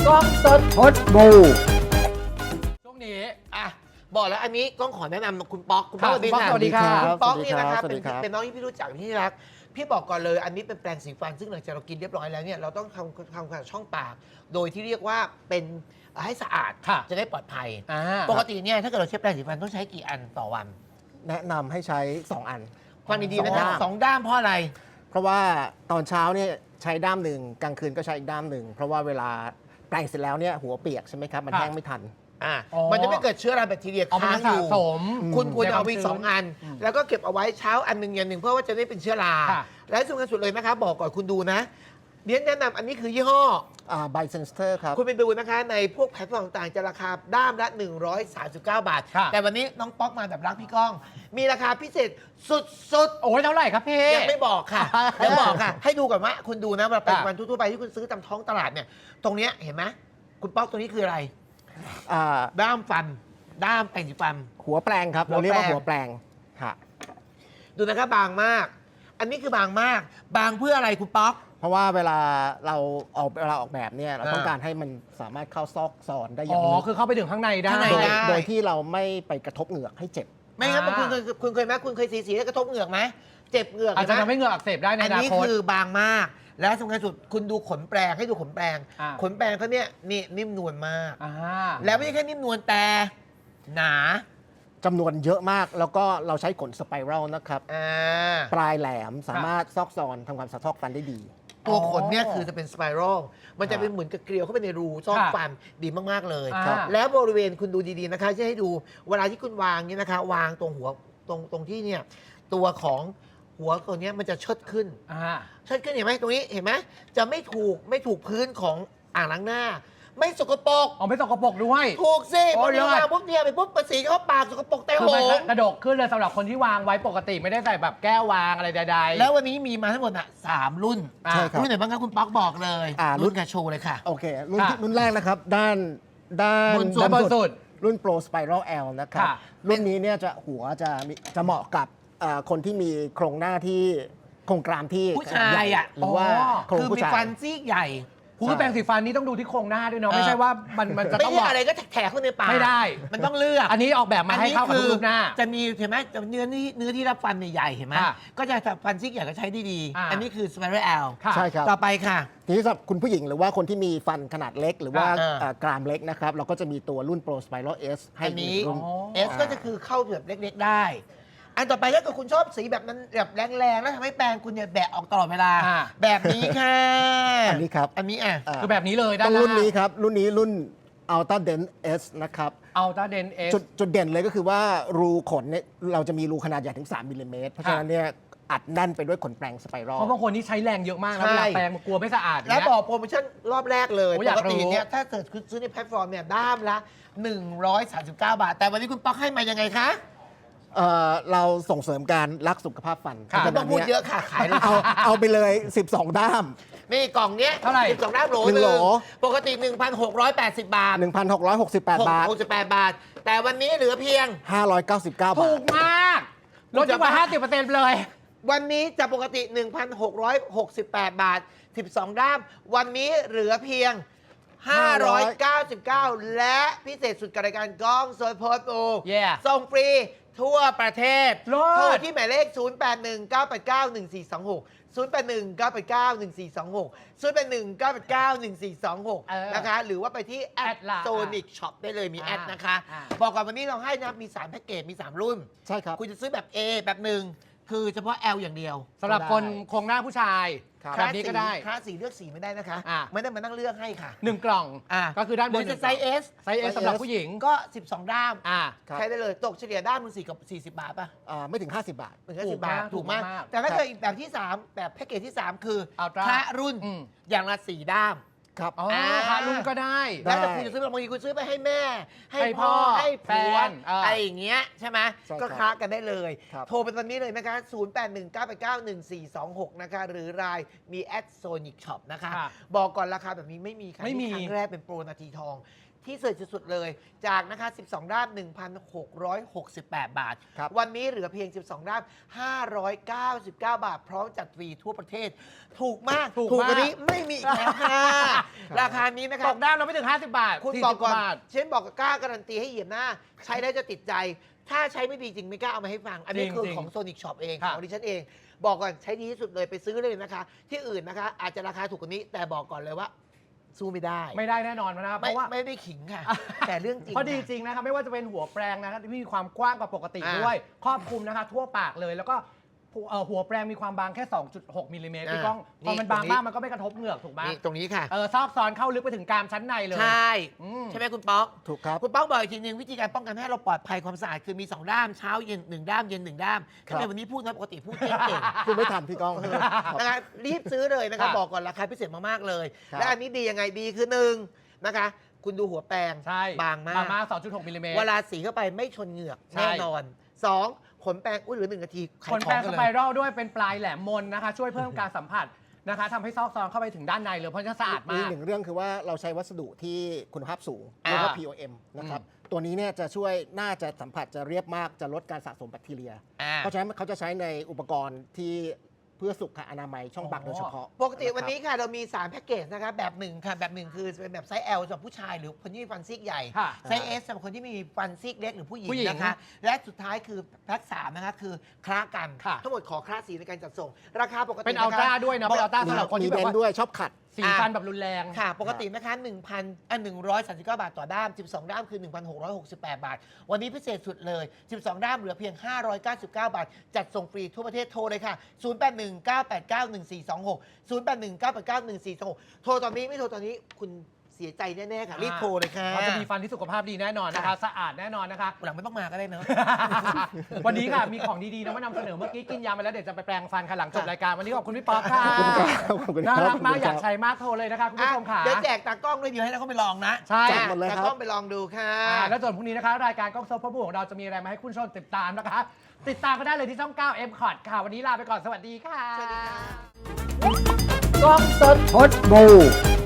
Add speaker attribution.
Speaker 1: กล้องสด
Speaker 2: พดบู
Speaker 1: ช่วงนี้
Speaker 3: อ่ะบอกแล้วอันนี้ก้องขอแนะนำคุณป๊อกคุณป๊อก
Speaker 1: สวัสดีครับ
Speaker 3: คุณป๊อกนี่นะครับ
Speaker 2: สวัสดีครับ
Speaker 3: เป็นน้องที่พี่รู้จักที่รักพี่บอกก่อนเลยอันนี้เป็นแปรงสีฟันซึ่งหลังจากเรากินเรียบร้อยแล้วเนี่ยเราต้องทำความสะอาดช่องปาก โดยที่เรียกว่าเป็นให้สะอาด
Speaker 1: ค่ะ
Speaker 3: จะได้ปลอดภัย
Speaker 1: อ่า
Speaker 3: ปกติเนี่ยถ้าเกิดเราใช้แปรงสีฟันต้องใช้กี่อันต่อวัน
Speaker 2: แนะนำให้ใช้ 2 อัน
Speaker 3: ฟังดีๆนะครับสองด้ามเพราะอะไร
Speaker 2: เพราะว่าตอนเช้าเนี่ยใช้ด้ามหนึ่งกลางคืนก็ใช้อีกด้ามหนึ่งเพราะว่าเวลาแปรงเสร็จแล้วเนี่ยหัวเปียกใช่ไหมครับ มันแห้งไม่ทัน
Speaker 3: อ่ะ
Speaker 1: อ๋อ
Speaker 3: มันจะไม่เกิดเชื้อราแบคทีเรีย
Speaker 1: เอามัน
Speaker 3: ค้างอ
Speaker 1: สะ
Speaker 3: ยู่
Speaker 1: สม
Speaker 3: คุณควรจะเอาไป
Speaker 1: ในความชื้น
Speaker 3: สองอัน แล้วก็เก็บเอาไว้เช้าอันหนึ่งเย็นหนึ่งเพื่อว่าจะได้เป็นเชื้อรา
Speaker 1: ค่ะ
Speaker 3: และสำคัญสุดเลยนะคะบอกก่อนคุณดูนะเรียนแนะนำอันนี้คือยี่ห้อ
Speaker 2: ไบเซนสเตอร์ครับ
Speaker 3: คุณไปดูนะคะในพวกแพลตฟอร์มต่างๆจะราคาด้ามละ 139 บาท
Speaker 1: ค่ะ
Speaker 3: แต่วันนี้น้องป๊อกมาแบบรักพี่ก้อง มีราคาพิเศษสุด
Speaker 1: โอ้ยเท่าไหร่ครับพี่
Speaker 3: ๆ ยังไม่บอกค่ะยังบอกค่ะ ให้ดูก่อนว่าคุณดูนะเวลาไปวันทั่วๆไปที่คุณซื้อตามท้องตลาดเนี่ยตรงเนี้ยเห็นไหมคุณป๊อกตัวนี้คืออะไร
Speaker 2: อ่า
Speaker 3: ด้ามฟัน ด้ามแปรงสีฟัน
Speaker 2: หัวแปรงครับ เราเรียกว่า
Speaker 3: หั
Speaker 2: หั
Speaker 3: ว
Speaker 2: ว
Speaker 3: แป
Speaker 2: แป
Speaker 3: ร
Speaker 2: รง งค่ะ
Speaker 3: ดูนะครับบางมาก อันนี้คือบางมาก บางเพื่ออะไรคุณป๊อก
Speaker 2: เพราะว่าเวลาเราออกแบบเนี่ยเราต้อง
Speaker 3: อ่า
Speaker 2: การให้มันสามารถเข้าซอกซอนได้อ
Speaker 1: อ๋
Speaker 2: ย่าง
Speaker 1: อ
Speaker 2: ลึก
Speaker 1: คือเข้าไปถึงข้างในได้
Speaker 3: ข้างใน
Speaker 2: โดย
Speaker 3: ได้
Speaker 2: โดยที่เราไม่ไปกระทบเหงือกให้เจ็บ
Speaker 3: ไม่งั้น
Speaker 1: อ่า
Speaker 3: คุณเคยไหมคุณเคยสีแล้วกระทบเหงือกไหมเจ็บเหงือก
Speaker 1: อาจจะ
Speaker 3: เห็น
Speaker 1: ทำ
Speaker 3: ไหม
Speaker 1: ให้เหงื่ออักเสบได้ใน
Speaker 3: อัน
Speaker 1: อนา
Speaker 3: นี้
Speaker 1: คต
Speaker 3: คือบางมาก และสำคัญสุดคุณดูขนแปรงให้ดูขนแปรง
Speaker 1: อ่า
Speaker 3: ขนแปรงเขาเนี่ยนี่นิ่มนวลมาก
Speaker 1: อ่า
Speaker 3: แล้วไม่ใช่แค่นิ่มนวลแต่หนา
Speaker 2: จำนวนเยอะมากแล้วก็เราใช้ขนสไปรัลนะครับ
Speaker 3: อ่า
Speaker 2: ปลายแหลมสามารถซอกซอนทำความสะทอกฟันได้ดี
Speaker 3: ตัวขนเนี่ยคือจะเป็นสไปรัลมันจะเป็นเหมือนกับเกลียวเข้าไปในรูซอก
Speaker 1: ค่ะ
Speaker 3: ฟันดีมากๆเลย
Speaker 1: ครับ
Speaker 3: แล้วบริเวณคุณดูดีๆนะคะจะให้ดูเวลาที่คุณวางเนี่ยนะคะวางตรงหัวตรงที่เนี่ยตัวของหัวตัวเนี้ยมันจะเชิดขึ้น
Speaker 1: อ่า
Speaker 3: เชิดขึ้นเห็นไหมตรงนี้เห็นไหมจะไม่ถูกพื้นของอ่างล้างหน้า ไม่สกปรก
Speaker 1: เอาไม่สกปรกด้วย
Speaker 3: ถูกสิ
Speaker 1: โอ้
Speaker 3: พอย ดี
Speaker 1: เลิศ
Speaker 3: วางปุ๊บเนี่ยไปปุ๊บภาษีเข้าปากสกปรกแต่
Speaker 1: คื
Speaker 3: โห
Speaker 1: อมัน
Speaker 3: ง
Speaker 1: กระดกขึ้นเลยสำหรับคนที่วางไว้ปกติไม่ได้ใส่แบบแก้ววางอะไรใดๆ
Speaker 3: แล้ววันนี้มีมาทั้งหมดอ่ะ3 รุ่น
Speaker 1: อ่า
Speaker 2: ใช่ครับ
Speaker 3: รุ่นไหนบ้างครับคุณป๊อกบอกเลย รุ่นกระโชว์เลยค่ะ
Speaker 2: โอเค รุ่น
Speaker 1: ค่ะ
Speaker 2: รุ่นแรกนะครับ ด้าน
Speaker 3: บนสุด
Speaker 1: บนสุด
Speaker 2: รุ่น Pro Spiral L นะครับ
Speaker 1: ค่ะ
Speaker 2: รุ่นนี้เนี่ยจะหัวจะเหมาะกับคนที่มีโครงหน้าที่โครงกรามที่
Speaker 3: ผู้ชายอ่ะ
Speaker 2: หรือว่าโครง
Speaker 3: คือ
Speaker 2: ผู้
Speaker 3: มี
Speaker 2: ชาย
Speaker 3: ฟันซี่ใหญ่
Speaker 1: คือแปรงสีฟันนี่ต้องดูที่โครงหน้าด้วยเนาะไม่ใช่ว่ามันจะ
Speaker 3: ไม่
Speaker 1: ต้อง
Speaker 3: ใช่อะไรก็แถกเข้าในปาก
Speaker 1: ไม่ได้
Speaker 3: มันต้องเลือก
Speaker 1: อันนี้ออกแบบมาให้เข้ากับรูปหน้า
Speaker 3: จะมีเห็นไหมจะเนื้อที่รับฟันเนี่ยใหญ่เห็นไหม
Speaker 1: ค่ะ
Speaker 3: ก็จะฟันซี่ใหญ่ก็ใช้ได้ดี
Speaker 1: อ่า
Speaker 3: อันนี้คือ Spiral L
Speaker 1: ค่ะ
Speaker 2: ใช่ครับ
Speaker 3: ต่อไปค่ะ
Speaker 2: ทีนี้สำหรับคุณผู้หญิงหรือว่าคนที่มีฟันขนาดเล็ก หรือว่า กรามเล็กนะครับ เราก็จะมีตัวรุ่น Pro Spiral S ให้
Speaker 3: อันนี้
Speaker 2: อีกรุ่น
Speaker 1: อ๋อ
Speaker 3: S ก็จะคือเข้าแบบเล็กๆได้ อันต่อไปถ้าเกิดคุณชอบสีแบบนั้นแบบแรงๆแล้วทำให้แปรงคุณเนี่ยแบะออกตลอดเวลา
Speaker 1: อ่า
Speaker 3: แบบนี้ค่ะ
Speaker 2: อันนี้ครับ
Speaker 3: อันนี้อ่ะ
Speaker 1: คือแบบนี้เลยด้า
Speaker 2: ต้
Speaker 1: น
Speaker 2: อง
Speaker 1: หน้า
Speaker 2: รุ่นนี้ครับ รุ่นนี้รุ่น Ultra Dent S นะครับ
Speaker 1: อัลต้าเดนเอส
Speaker 2: จุดเด่นเลยก็คือว่ารูขนเนี่ยเราจะมีรูขนาดใหญ่ถึง 3 มิลลิเมตร เพราะฉะนั้นเนี่ยอัดแน่นไปด้วยขนแปรงสไปรัล
Speaker 1: เพราะบางคนนี่ใช้แรงเยอะมากแล้วเวลาแปรงมันกลัวไม่สะอาด
Speaker 3: แล้ว
Speaker 1: เนี่ย
Speaker 3: บอกโปรโมชั่นรอบแรกเลย
Speaker 1: โอ้
Speaker 3: ป
Speaker 1: อยาก
Speaker 3: กติ
Speaker 1: รู้
Speaker 3: เนี่ยถ้าเกิดคุณซื้อในแพลตฟอร์มเนี่ยด้ามละ 139 บาท แต่วันนี้คุณป๊อกให้มายังไงคะ
Speaker 2: เราส่งเสริมการรักสุขภาพฟัน
Speaker 1: ค่ะ
Speaker 2: เพ
Speaker 3: ไม่
Speaker 2: ราะฉะ
Speaker 3: ต้
Speaker 2: นั้
Speaker 3: อน งพูด
Speaker 2: เนี่ย
Speaker 3: เยอะค่ะ ขายเลย
Speaker 2: เอาไปเลย 12 ด้าม
Speaker 3: นี่กล่องเนี้ย
Speaker 1: เท่าไหร่
Speaker 3: 12ด้ามโหล
Speaker 2: หนึ่งโหล
Speaker 3: ปกติ 1,680 บาท
Speaker 2: 1,668 บาท
Speaker 3: 68 บาท แต่วันนี้เหลือเพียง
Speaker 2: 599 บา
Speaker 1: ถู
Speaker 2: ท
Speaker 1: กมากลดจนกว่า 50%เลย
Speaker 3: วันนี้จะปกติ 1,668 บาท 12 ด้าม วันนี้เหลือเพียง 599 และพิเศษสุดกับรายการกล้องโซนโพสต์โอ
Speaker 1: Yeah
Speaker 3: ส่งฟรีทั่วประเทศ
Speaker 1: เลิศ
Speaker 3: โทรที่หมายเลข 0819891426 0819891426 0819891426 นะคะ หรือว่าไปที่แอด
Speaker 1: ล่ะ
Speaker 3: โซนิกช็อปได้เลยมีแอดนะคะ
Speaker 1: อ่า
Speaker 3: บอกก่อนวันนี้เราให้นะมี 3 แพ็กเกจมี 3 รุ่น
Speaker 2: ใช่ครับ
Speaker 3: คุณจะซื้อแบบ A แบบหนึ่งคือเฉพาะ L อย่างเดียว
Speaker 1: สำหรับคนโครงหน้าผู้ชาย
Speaker 2: ครับ
Speaker 1: แบบนี้ก็ได้
Speaker 3: คลาสสีเลือกสีไม่ได้นะคะ
Speaker 1: อ่า
Speaker 3: ไม่ได้มานั่งเลือกให้ค่ะ
Speaker 1: 1 กล่อง ก็คือด้านบน
Speaker 3: หรือจะไซส์ S
Speaker 1: ไซส์ S สำหรับผู้หญิง
Speaker 3: ก็ 12 ด้าม
Speaker 1: อ่า
Speaker 2: ครับ
Speaker 3: ใช้ได้เลยตกเฉลี่ยด้ามมึง40 บาทป่ะ
Speaker 2: ไม่ถึง 50 บาท
Speaker 3: ถึงแค่
Speaker 1: ถู
Speaker 3: 10
Speaker 1: ก
Speaker 3: บาท
Speaker 1: มาก
Speaker 3: ถูกมาก
Speaker 1: ถูกมาก
Speaker 3: แต่ถ้าเกิดอีกแบบที่ 3 แบบแพ็กเกจที่ 3 คือ
Speaker 1: Ultra
Speaker 3: พระรุ่น
Speaker 1: อืม
Speaker 3: อย่างละ 4 ด้าม
Speaker 2: ครับ
Speaker 1: อ๋อพารุ่นก็ได้
Speaker 2: ได้
Speaker 3: แล้วแต่คุณจะซื้อบางทีคุณซื้อไปให้แม่ ให้
Speaker 1: ให้พ่
Speaker 3: พ่อ
Speaker 1: อ
Speaker 3: ให้ผัว
Speaker 1: แฟน
Speaker 3: อะไรอย่างเงี้ยใช่ไหม
Speaker 2: ใช่ครับ
Speaker 3: ก็ค้ากันได้เลย
Speaker 2: ครับ
Speaker 3: โทรไปตอนนี้เลยนะคะ 0819891426 นะคะ หรือรายมีแอดโซนิกช็อปนะคะ
Speaker 1: ค่ะ
Speaker 3: บอกก่อนราคาแบบนี้ไม่มีค่ะ
Speaker 1: ไม่มี
Speaker 3: นี่ครั้งแรกเป็นโปรนาทีทองที่สุดสุดๆเลยจากนะคะ12 ด้าม 1,668 บาท
Speaker 2: ครับ
Speaker 3: วันนี้เหลือเพียง 12 ด้าม 599 บาท พร้อมจัดฟรีทั่วประเทศ ถูกมาก
Speaker 1: ถูก
Speaker 3: ก
Speaker 1: มาก
Speaker 3: ว่านี้ไม่มีอีกแล้วค่ะ ราคานี้นะค
Speaker 1: ต
Speaker 3: รับ
Speaker 1: กด้ามเราไม่ถึง 50 บาท
Speaker 3: คุณ
Speaker 1: 40
Speaker 3: บอกก่อน
Speaker 1: บาท
Speaker 3: เช่นบอกกล้าการันตีให้เหยียบหน้า ใช้ได้จะติดใจ ถ้าใช้ไม่ดีจริงไม่กล้าเอามาให้ฟัง อันนี้
Speaker 1: จริง
Speaker 3: คือ
Speaker 1: จริง
Speaker 3: ของ Sonic Shop เอง
Speaker 1: ค่ะ
Speaker 3: ของดิฉันเอง บอกก่อนใช้ดีที่สุดเลยไปซื้อเลยนะคะ ที่อื่นนะคะ อาจจะราคาถูกกว่านี้ แต่บอกก่อนเลยว่า สู้ไม่ได้
Speaker 1: ไม่ได้แน่นอนนะครับเพ
Speaker 3: ไม่
Speaker 1: ราะว่า
Speaker 3: ไม่ได้ขิงค่ะ แต่เรื่องจริง
Speaker 1: เพราะดี
Speaker 3: ค่ะ
Speaker 1: จริงนะครับไม่ว่าจะเป็นหัวแปรงนะครับที่มีความกว้างกว่าปกติ
Speaker 3: อ่า
Speaker 1: ด้วย ครอบคลุมนะคะทั่วปากเลยแล้วก็หัวแปรงมีความบางแค่ 2.6 มิลลิเมตรพี่ก้องพอมันบางมากมันก็ไม่กระทบเหงือกถูกไหม
Speaker 3: นี่ตรงนี้ค่ะ
Speaker 1: ซอกซอนเข้าลึกไปถึงกรามชั้นในเลย
Speaker 3: ใช่
Speaker 1: อืม
Speaker 3: ใช่ไหมคุณป๊อก
Speaker 2: ถูกครับ
Speaker 3: คุณป๊อกบอกอีกทีนึงวิธีการป้องกันให้เราปลอดภัยความสะอาดคือมี 2 ด้ามเช้าเย็น1 ด้ามเย็น 1 ด้าม
Speaker 2: ครั
Speaker 3: ทำ
Speaker 2: บ
Speaker 3: ไมวันนี้พูดนะปกติพูดเก่ง
Speaker 2: คุณไม่ทันพี่ก้องครับ
Speaker 3: นะคะรีบซื้อเลยนะคะ
Speaker 1: ครับ
Speaker 3: บอกก่อนราคาพิเศษมากๆเลย
Speaker 2: ครับ
Speaker 3: และอันนี้ดียังไงดีคือหนึ่งนะคะ คุณดูหัวแปรง
Speaker 1: ใช่
Speaker 3: บางมาก
Speaker 1: บางมาก 2.6 มิลลิเมตร
Speaker 3: เวลาสีเข้าไปไม่ชนเหงือก
Speaker 1: ใช่
Speaker 3: แน่นอน 2 ขนแปรงอุ้ยเหลือ1 นาทีขา
Speaker 1: ข
Speaker 3: ย
Speaker 1: น
Speaker 3: ข
Speaker 1: แป
Speaker 3: อ
Speaker 1: รง ง
Speaker 3: กั
Speaker 1: ส
Speaker 3: นเล
Speaker 1: ไป
Speaker 3: ย
Speaker 1: รัลด้วยเป็นปลายแหลมมนนะคะ ช่วยเพิ่มการสัมผัสนะคะทำให้ซอกซอนเข้าไปถึงด้านในเลยเพราะจะสะอาด
Speaker 2: มี
Speaker 1: มาก
Speaker 2: หนึ่งเรื่องคือว่าเราใช้วัสดุที่คุณภาพสูง
Speaker 3: อ่า
Speaker 2: เรียกว่า POM นะครับ ตัวนี้เนี่ยจะช่วยน่าจะสัมผัสจะเรียบมากจะลดการสะสมแบคทีเรีย
Speaker 3: อ่า
Speaker 2: เพราะฉะนั้นเขาจะใช้ในอุปกรณ์ที่เพื่อสุขอนามัยช่องปาก
Speaker 1: อ๋อ
Speaker 2: โดยเฉพาะ
Speaker 3: ปกติวัน
Speaker 2: ะครับ
Speaker 3: นี้ค่ะเรามี 3 แพ็กเกจนะคะแบบหนึ่งค่ะแบบหนึ่งคือเป็นแบบไซส์ L สำหรับผู้ชายหรือคนที่มีฟันซีกใหญ่
Speaker 1: ค่ะ
Speaker 3: ไซส์ S สำหรับคนที่มีฟันซีกเล็กหรือผู้หญิง
Speaker 1: ผู้หญิง
Speaker 3: นะคะ และสุดท้ายคือแพ็ก3นะคะคือคล้ากัน
Speaker 1: ค่ะ
Speaker 3: ทั้งหมดขอคล้าสีในการจัดส่ง ราคาปกติ
Speaker 1: เป็นอัลตร้าด้วยนะเป็นอัลตร้าสำหรับคน
Speaker 2: มี
Speaker 1: ที่
Speaker 2: เบ
Speaker 1: แบบ
Speaker 2: น
Speaker 1: ว่า
Speaker 2: ด้วยชอบขัด
Speaker 1: สีฟันแบบรุนแรง
Speaker 3: ค่ะ ปกตินะคะ139 บาทต่อด้าม 12 ด้ามคือ 1,668 บาท วันนี้พิเศษสุดเลย 12 ด้ามเหลือเพียง 599 บาท จัดส่งฟรีทั่วประเทศโทรเลยค่ะ 0819891426 0819891426 โทรตอนนี้ไม่โทรตอนนี้คุณเสียใจแน่ๆค่ะ รีบโทรเลยค่ะ
Speaker 1: เขาจะมีฟันที่สุขภาพดีแน่นอนนะคะ
Speaker 3: ค่ะ
Speaker 1: สะอาดแน่นอนนะคะ
Speaker 3: หลังไม่ต้องมาก็ได้เนอะ
Speaker 1: วันนี้ค่ะมีของดีๆนะมานำเสนอเมื่อกี้กินยาไปแล้วเดี๋ยวจะไปแปรงฟันค่ะหลังจบรายการวันนี้ขอบคุณพี่ป๊อปค่ะ
Speaker 2: ขอบคุณครับ
Speaker 1: น่ารักมาก
Speaker 2: ขอบคุณครับ
Speaker 1: อยากใช้มากโทรเลยนะคะคุณผู้ชมค่ะ
Speaker 3: เดี๋ยวแจกตากล้องด้วยเดี๋ยวให้เราเข้าไปลองนะ
Speaker 1: ใช่
Speaker 2: แจกหมดเลยครับ
Speaker 3: ตากล้องไปลองดูค่ะ
Speaker 1: แล้วส่วนพรุ่งนี้นะคะรายการกล้องโซฟาบูของเราจะมีอะไรมาให้คุณผู้ชมติดตามนะคะ ติดตามก็ได้เลยที่ช่อง 9 M c o t ค่ะ วันนี้ลาไปก่อนสวัสดีค่ะ
Speaker 3: สวัสดีค่ะ
Speaker 2: กล้องสดพดบู